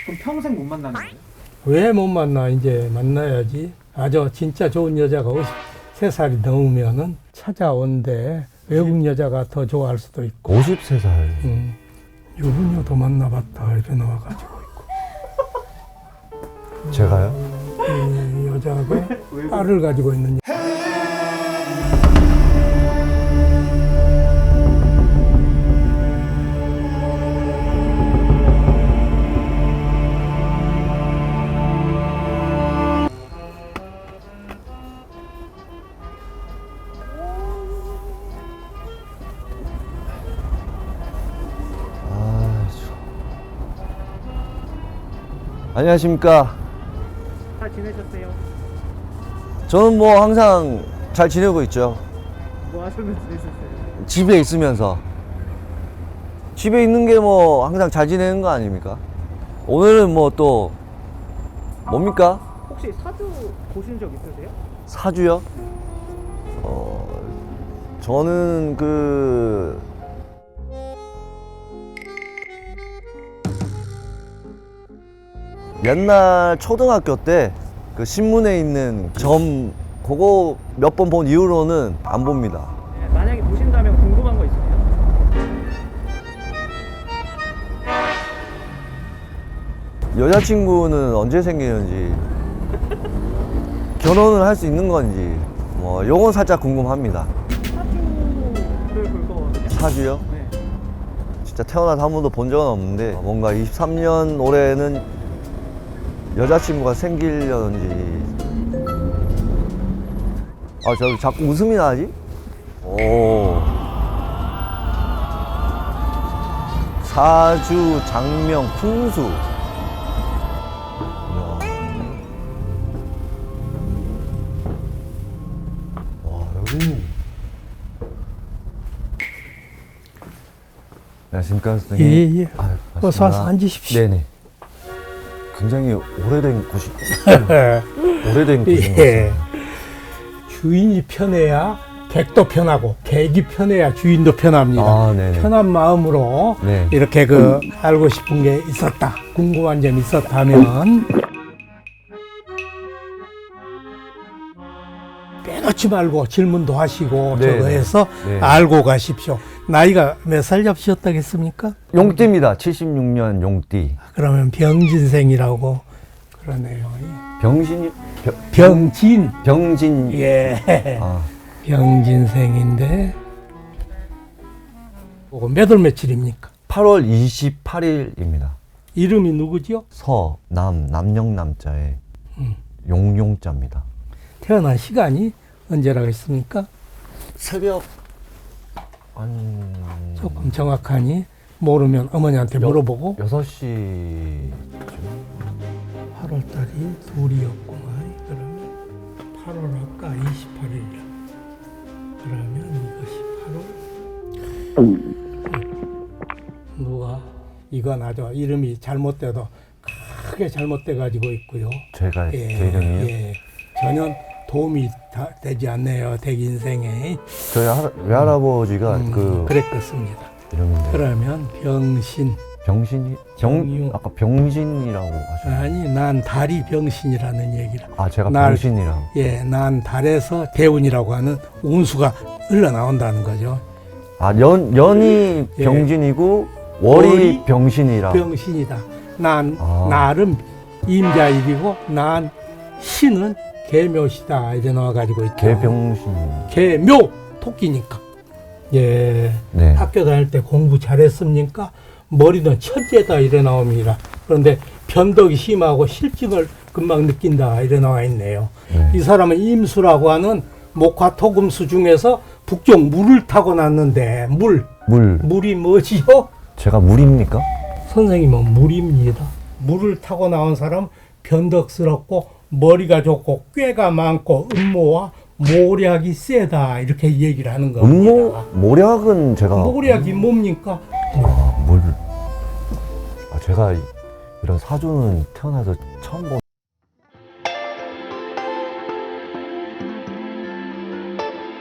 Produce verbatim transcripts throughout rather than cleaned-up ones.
그럼 평생 못 만나는 거예요? 왜 못 만나? 이제 만나야지. 아주 진짜 좋은 여자가 오십세 살이 넘으면은 찾아온대. 외국 여자가 더 좋아할 수도 있고. 오십세 살. 음, 유부녀도 만나봤다 이렇게 나와가지고 있고. 제가요? 이 여자가 딸을 가지고 있는. 아, 저... 안녕하십니까. 잘 지내셨어요? 저는 뭐 항상 잘 지내고 있죠. 뭐 하시면서 지내셨어요? 집에 있으면서. 집에 있는 게 뭐 항상 잘 지내는 거 아닙니까? 오늘은 뭐 또 뭡니까? 혹시 사주 보신 적 있으세요? 사주요? 어, 저는 그 옛날 초등학교 때 그 신문에 있는 점 그거 몇 번 본 이후로는 안 봅니다. 네, 만약에 보신다면 궁금한 거 있으세요? 여자친구는 언제 생기는지, 결혼을 할 수 있는 건지, 뭐 요건 살짝 궁금합니다. 사주를 볼 거거든요? 사주요? 네. 진짜 태어나서 한 번도 본 적은 없는데 뭔가 이십삼 년 올해는 여자친구가 생기려는지. 아, 저 자꾸 웃음이 나지? 오. 사주, 장명, 풍수. 이야. 와, 여기. 안녕하십니까, 선생님. 예, 예. 아유, 어서 와서 반갑습니다. 앉으십시오. 네네. 굉장히 오래된 곳이, 오래된 곳인 것 예. 같습니다. 주인이 편해야 객도 편하고 객이 편해야 주인도 편합니다. 아, 네네. 편한 마음으로 네. 이렇게 그 알고 싶은 게 있었다, 궁금한 점이 있었다면 빼놓지 말고 질문도 하시고 네, 저거 해서 네. 알고 가십시오. 나이가 몇 살 잡으셨다겠습니까? 용띠입니다. 칠십육 년 용띠. 그러면 병진생이라고 그러네요. 병신이, 병, 병진. 병진. 예. 아, 병진생인데 그거 몇월 며칠입니까? 팔월 이십팔일입니다. 이름이 누구죠? 서, 남, 남영남자에 음. 용용자입니다. 태어난 시간이 언제라고 했습니까? 새벽 한 조금 정확하니 모르면 어머니한테 여- 물어보고. 여섯 시 팔월 달이 둘이었구만. 그러면 팔월 아까 이십팔일이라 그러면 이것이 팔월 누가 이건 아주 이름이 잘못돼도 크게 잘못돼 가지고 있고요. 제가 제 이름이요? 예. 전혀 도움이 다 되지 않네요. 대인생에. 저희 할, 외할아버지가 음, 그 그랬겠습니다. 이름인데 그러면 병신. 병신이 병 정유. 아까 병신이라고 하셨나요? 아니, 난 달이 병신이라는 얘기라. 아, 제가 날- 병신이라고. 예, 난 달에서 대운이라고 하는 운수가 흘러나온다는 거죠. 아, 연 연이 예. 병신이고 월이 월이 병신이라. 병신이다. 난 아. 날은 임자일이고 난 신은 개묘시다. 이제 나와가지고 있죠. 개병신. 개묘 토끼니까. 예. 네. 학교 다닐 때 공부 잘했습니까? 머리는 천재다 이래 나옵니다. 그런데 변덕이 심하고 실증을 금방 느낀다 이래 나와 있네요. 네. 이 사람은 임수라고 하는 목화토금수 중에서 북쪽 물을 타고 났는데 물, 물. 물이 뭐지요? 제가 물입니까? 선생님은 물입니다. 물을 타고 나온 사람 변덕스럽고 머리가 좋고 꾀가 많고 음모와 모략이 세다 이렇게 얘기를 하는 겁니다. 음모 모략은 제가 모략이 뭡니까? 아, 물. 아, 제가 이- 이런 사주는 태어나서 처음 본.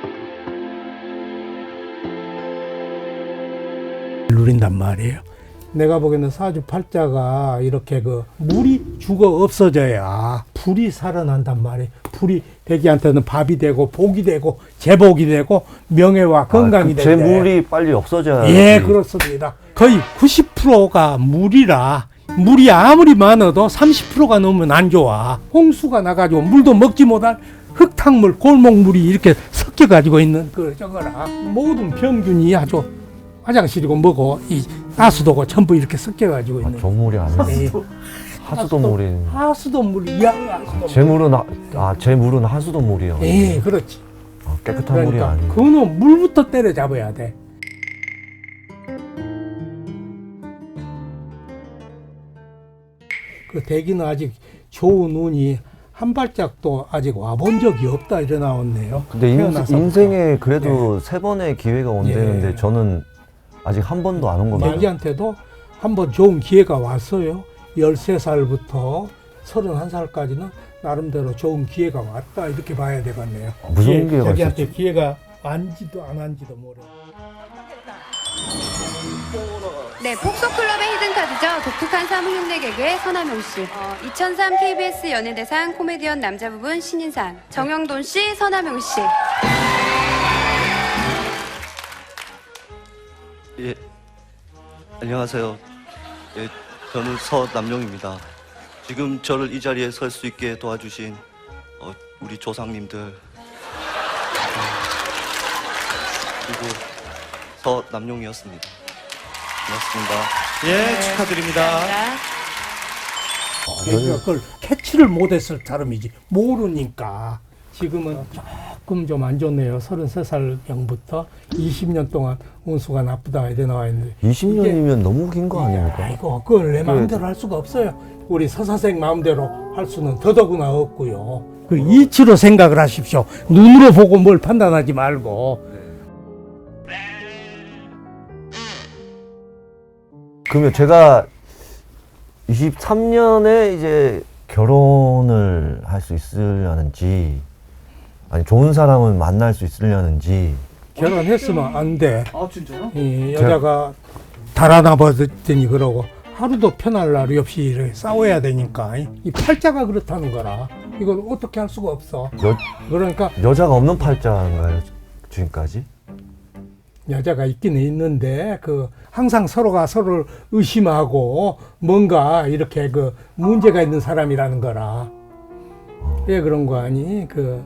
누린단 말이에요. 내가 보기에는 사주팔자가 이렇게 그 물이 죽어 없어져야 불이 살아난단 말이에요. 불이 대기한테는 밥이 되고 복이 되고 제복이 되고 명예와 건강이 아, 그 되는데 재물이 빨리 없어져야. 예, 그렇습니다. 거의 구십 퍼센트가 물이라 물이 아무리 많아도 삼십 퍼센트가 넘으면 안 좋아. 홍수가 나가지고 물도 먹지 못할 흙탕물, 골목물이 이렇게 섞여가지고 있는 그 저거라. 모든 병균이 아주 화장실이고 뭐고 이 하수도고 전부 이렇게 섞여가지고 아, 있는. 조물이 아니고 예. 하수도 물이. 하수도 물이 야. 하수도 재물은 하, 아 재물은 하수도 물이요. 예, 그렇지. 아, 깨끗한 물이 그러니까 아니고. 그거는 물부터 때려잡아야 돼. 그 대기는 아직 좋은 운이 한 발짝도 아직 와본 적이 없다 이래 나왔네요. 근데 인, 태어나서부터. 인생에 그래도 세 번의 기회가 온다는데 예. 저는 아직 한 번도 안 온 겁니다. 자기한테도 한번 좋은 기회가 왔어요. 열세 살부터 서른한 살까지는 나름대로 좋은 기회가 왔다 이렇게 봐야 되겠네요. 무슨 기회가 자기한테 있었죠? 기회가 왔지도 안 왔지도 모르. 네, 폭소클럽의 히든카드죠. 독특한 사물 흉내 개그의 서남용 씨. 어, 이천삼 케이비에스 연예대상 코미디언 남자 부분 신인상. 정영돈 씨, 서남용 씨. 예, 안녕하세요. 예, 저는 서남용입니다. 지금 저를 이 자리에 설 수 있게 도와주신 어, 우리 조상님들 어, 그리고 서남용이었습니다. 고맙습니다. 예, 축하드립니다. 그러니까 그걸 캐치를 못했을 사람이지 모르니까. 지금은 조금 좀 안 좋네요. 서른세 살경부터 이십 년 동안 운수가 나쁘다 이래 나와 있는데 이십 년이면 너무 긴 거 아닙니까? 아이고 그걸 내 마음대로 할 수가 없어요. 우리 서사생 마음대로 할 수는 더더구나 없고요. 그 이치로 생각을 하십시오. 눈으로 보고 뭘 판단하지 말고. 그러면 제가 이십삼 년에 이제 결혼을 할 수 있으려는지 아니 좋은 사람을 만날 수 있으려는지. 결혼했으면 안 돼. 아 진짜요? 이 여자가 달아나 버렸더니 그러고 하루도 편할 날이 없이 이렇게 싸워야 되니까 이 팔자가 그렇다는 거라 이걸 어떻게 할 수가 없어. 여, 그러니까 여자가 없는 팔자인가요 지금까지? 여자가 있기는 있는데 그 항상 서로가 서로를 의심하고 뭔가 이렇게 그 문제가 있는 사람이라는 거라. 왜 그런 거 아니? 그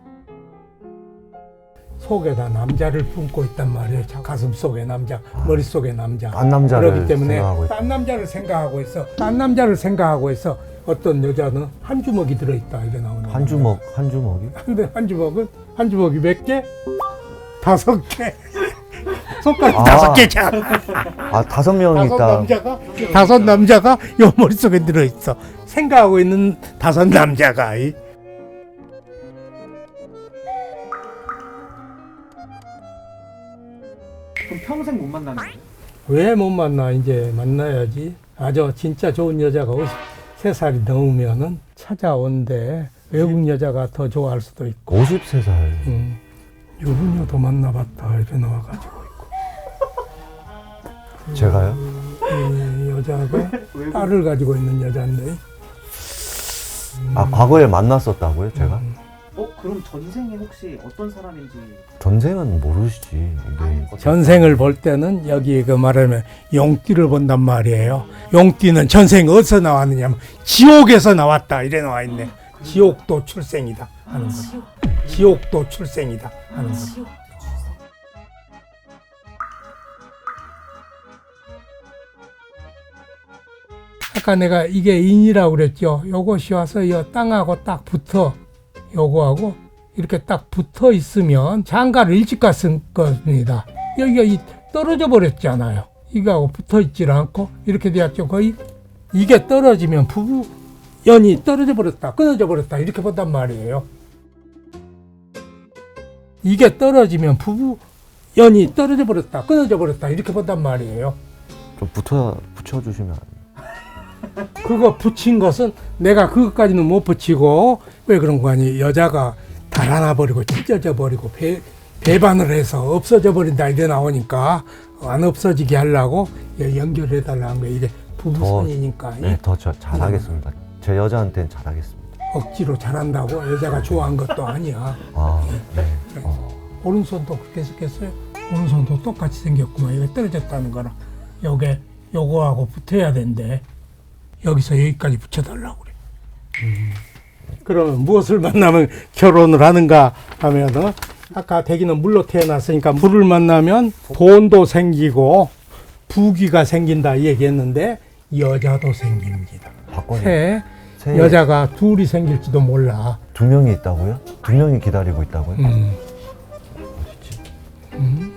속에다 남자를 품고 있단 말이에요. 가슴 속에 남자, 머릿 속에 남자. 딴 남자를 그렇기 때문에 생각하고 있다. 딴 남자를 생각하고 있어. 딴 남자를 생각하고 있어. 어떤 여자는 한 주먹이 들어있다 이게 나오는 한 주먹 한 주먹이? 근데 한 주먹은 한 주먹이 몇 개? 다섯 개. 손가락 아. 다섯 개잖아. 아 다섯 명 다섯 있다. 남자가 다섯 남자가 요 머릿속에 들어있어. 생각하고 있는 다섯 남자가. 이. 그럼 평생 못 만나는 거예요? 왜 못 만나? 이제 만나야지. 아주 진짜 좋은 여자가 오십세 살이 넘으면은 찾아온대. 외국 여자가 더 좋아할 수도 있고. 오십세 살. 음, 유부녀도 만나봤다 이렇게 나와가지고 있고. 제가요? 이 여자가 딸을 가지고 있는 여자인데. 아 과거에 만났었다고요 제가? 어 그럼 전생에 혹시 어떤 사람인지 전생은 모르시지. 이게 전생을 볼 때는 여기 그 말하면 용띠를 본단 말이에요. 용띠는 전생 어디서 나왔느냐면 지옥에서 나왔다 이래 나와 있네. 지옥도 출생이다 하는 거죠. 지옥도 출생이다 하는 거죠. 아까 내가 이게 인이라고 그랬죠. 요것이 와서 이 땅하고 딱 붙어. 요거하고 이렇게 딱 붙어 있으면 장가를 일찍 갔을 겁니다. 여기가 이 떨어져 버렸잖아요. 이거하고 붙어 있질 않고 이렇게 되었죠. 거의 이게 떨어지면 부부 연이 떨어져 버렸다, 끊어져 버렸다 이렇게 본단 말이에요. 이게 떨어지면 부부 연이 떨어져 버렸다, 끊어져 버렸다 이렇게 본단 말이에요. 좀 붙어 붙여주시면 안 돼요? 그거 붙인 것은 내가 그것까지는 못 붙이고 왜 그런 거 아니? 여자가 달아나 버리고 찢어져 버리고 배, 배반을 해서 없어져 버린다 이래 나오니까 안 없어지게 하려고 예, 연결해달라는 거예요. 이게 부부선이니까 네, 더 저, 잘하겠습니다. 제 여자한테는 잘하겠습니다. 억지로 잘한다고 여자가 좋아한 것도 아니야. 아, 네. 어. 오른손도 그렇게 생겼어요. 오른손도 똑같이 생겼구만. 이거 떨어졌다는 거라. 요게 요거하고 붙어야 된대. 여기서 여기까지 붙여달라고 그래. 음. 그러면 무엇을 만나면 결혼을 하는가 하면은 아까 대기는 물로 태어났으니까 물을 만나면 돈도 생기고 부귀가 생긴다 이 얘기했는데 여자도 생깁니다. 박건희 새 새 여자가 둘이 생길지도 몰라. 두 명이 있다고요? 두 명이 기다리고 있다고요? 음. 어딨지? 음.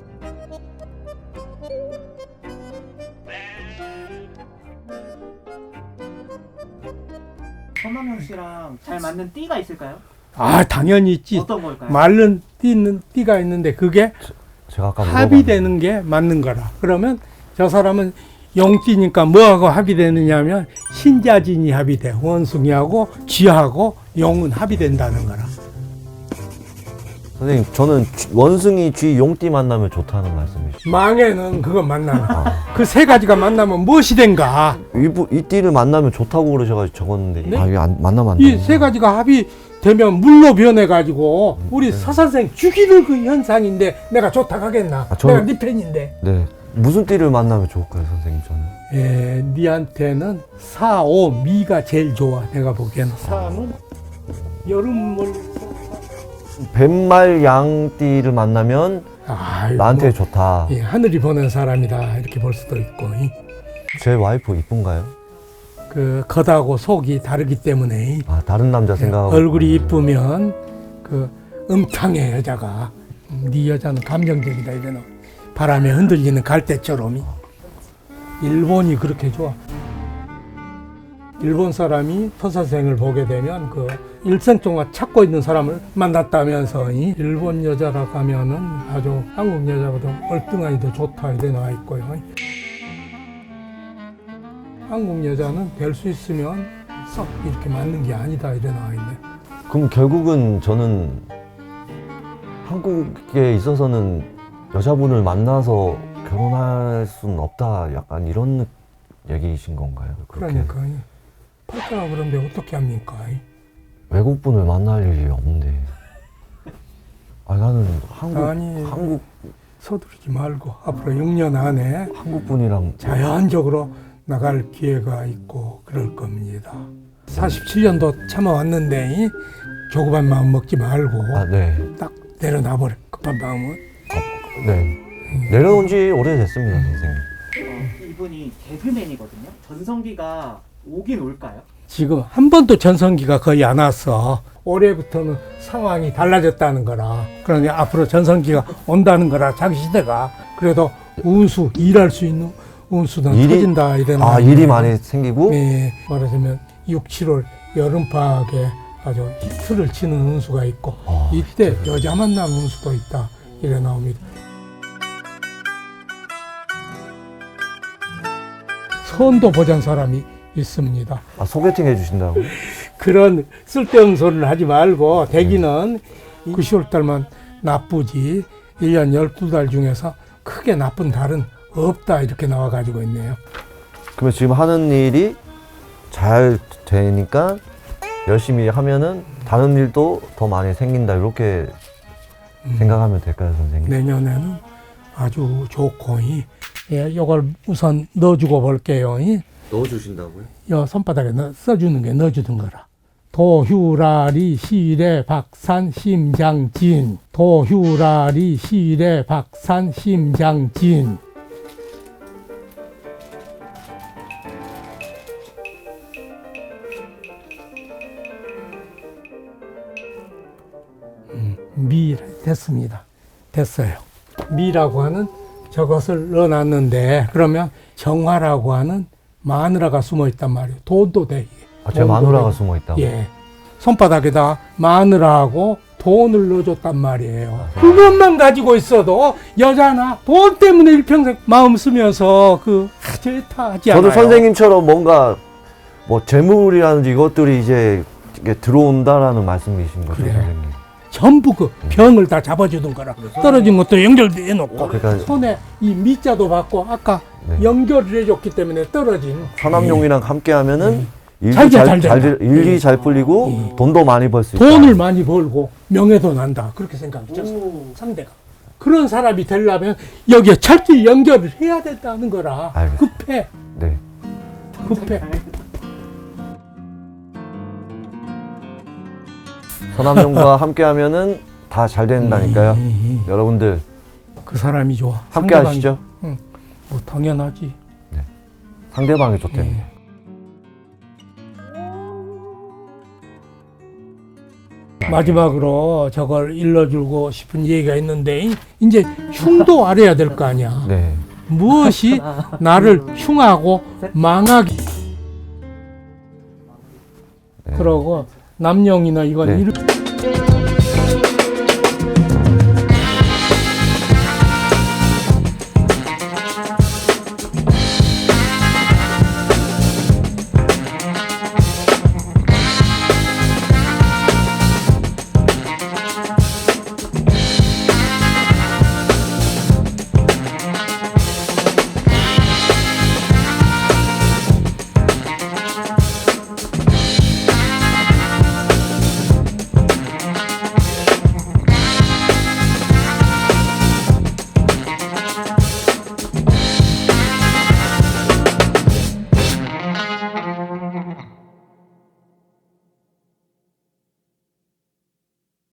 서남영 씨랑 잘 맞는 띠가 있을까요? 아 당연히 있지. 어떤 걸까요? 말른 띠는 띠가 있는데 그게 제가 아까 합의되는 게 맞는 거라. 그러면 저 사람은 용띠니까 뭐하고 합의되느냐면 신자진이 합의돼. 원숭이하고 쥐하고 용은 합의된다는 거라. 선생님, 저는 쥐- 원숭이, 쥐, 용띠 만나면 좋다는 말씀이시죠? 망에는 그거 만나면 그 세 가지가 만나면 무엇이 된가? 이, 부- 이 띠를 만나면 좋다고 그러셔가지고 적었는데 네? 아, 이게 안, 만나면 안 이 돼요? 세 가지가 합의되면 물로 변해가지고 우리 서 선생 죽이는 그 현상인데 내가 좋다 하겠나? 아, 저는- 내가 네 팬인데. 네. 무슨 띠를 만나면 좋을까요, 선생님, 저는? 예, 니한테는 사, 오, 미가 제일 좋아. 내가 보기에는 사는 여름을 뱀말 양띠를 만나면 아이고, 나한테 좋다. 예, 하늘이 보낸 사람이다 이렇게 볼 수도 있고 이, 제 와이프 이쁜가요? 그 겉하고 속이 다르기 때문에 이, 아, 다른 남자 생각하고. 얼굴이 이쁘면 그 음탕해 여자가. 음, 네 여자는 감정적이다 이래는 바람에 흔들리는 갈대처럼 이. 일본이 그렇게 좋아. 일본 사람이 서 선생을 보게 되면 그 일생 동안 찾고 있는 사람을 만났다면서 이 일본 여자라 가면은 아주 한국 여자보다 얼등하니 더 좋다 이래 나와 있고요. 한국 여자는 될 수 있으면 썩 이렇게 맞는 게 아니다 이래 나와 있네. 그럼 결국은 저는 한국에 있어서는 여자분을 만나서 결혼할 수는 없다. 약간 이런 얘기이신 건가요? 그렇게 그러니까 팔자가 그런데 어떻게 합니까? 외국분을 만날 일이 없는데. 아, 나는 한국, 아니. 한국, 서두르지 말고 앞으로 육 년 안에 한국분이랑 자연적으로 나갈 기회가 있고 그럴 겁니다. 사십칠 년도 참아왔는데 이 조급한 마음 먹지 말고 아, 네. 딱 내려놔버려. 급한 마음은. 아, 네. 내려온 지 오래됐습니다, 선생님. 어, 이분이 개그맨이거든요. 전성기가 오긴 올까요? 지금 한 번도 전성기가 거의 안 왔어. 올해부터는 상황이 달라졌다는 거라. 그러니 앞으로 전성기가 온다는 거라. 자기 시대가. 그래도 운수, 일할 수 있는 운수는 일이- 터진다. 이런 아, 일이 많이 생기고? 네, 말하자면 육, 칠월 여름방학에 아주 히트를 치는 운수가 있고 아, 이때 여자 만나는 운수도 있다. 이래 나옵니다. 선도 보잔 사람이 있습니다. 아, 소개팅 해주신다고요? 그런 쓸데없는 소리를 하지 말고 대기는 구, 시월 달만 나쁘지 일 년 열두 달 중에서 크게 나쁜 달은 없다 이렇게 나와가지고 있네요. 그러면 지금 하는 일이 잘 되니까 열심히 하면은 다른 일도 더 많이 생긴다. 이렇게 생각하면 될까요, 선생님? 내년에는 아주 좋고 이, 예, 요걸 우선 넣어주고 볼게요. 이. 넣어주신다고요? 요 손바닥에 넣, 써주는 게 넣어주는 거라. 도휴라리 시래 박산 심장진. 도휴라리 시래 박산 심장진. 음, 미 됐습니다. 됐어요. 미라고 하는 저것을 넣어놨는데 그러면 정화라고 하는 마누라가 숨어 있단 말이에요. 돈도 돼. 아, 제 돈도 마누라가 돼. 숨어 있다고? 예. 손바닥에다 마누라하고 돈을 넣어줬단 말이에요. 그것만 가지고 있어도 여자나 돈 때문에 일평생 마음 쓰면서 그 좋다 하지 않아요. 저도 선생님처럼 뭔가 뭐 재물이라든지 이것들이 이제 이게 들어온다라는 말씀이신 거죠, 그래. 선생님? 전부 그 병을 다 잡아주던 거라. 떨어진 것도 연결해 놓고 그러니까 손에 이 밑자도 받고 아까 네. 연결을 해줬기 때문에 떨어진 서남용이랑 함께 하면은 일이 잘 돼, 잘, 잘 잘, 된다. 될- 일이 잘 풀리고 돈도 많이 벌 수 있다. 돈을 많이 벌고 명예도 난다. 그렇게 생각했죠. 오. 상대가. 그런 사람이 되려면 여기에 철길 연결을 해야 된다는 거라. 알겠습니다. 급해. 네. 급해. 서남용과 함께 하면은 다 잘 된다니까요. 여러분들 그 사람이 좋아. 함께 상대방이- 하시죠. 뭐 당연하지. 상대방이 좋대요. 마지막으로 저걸 일러주고 싶은 얘기가 있는데 이제 흉도 알아야 될 거 아니야. 네. 무엇이 나를 흉하고 망하게 네. 그러고 남용이나 이건 네. 이렇게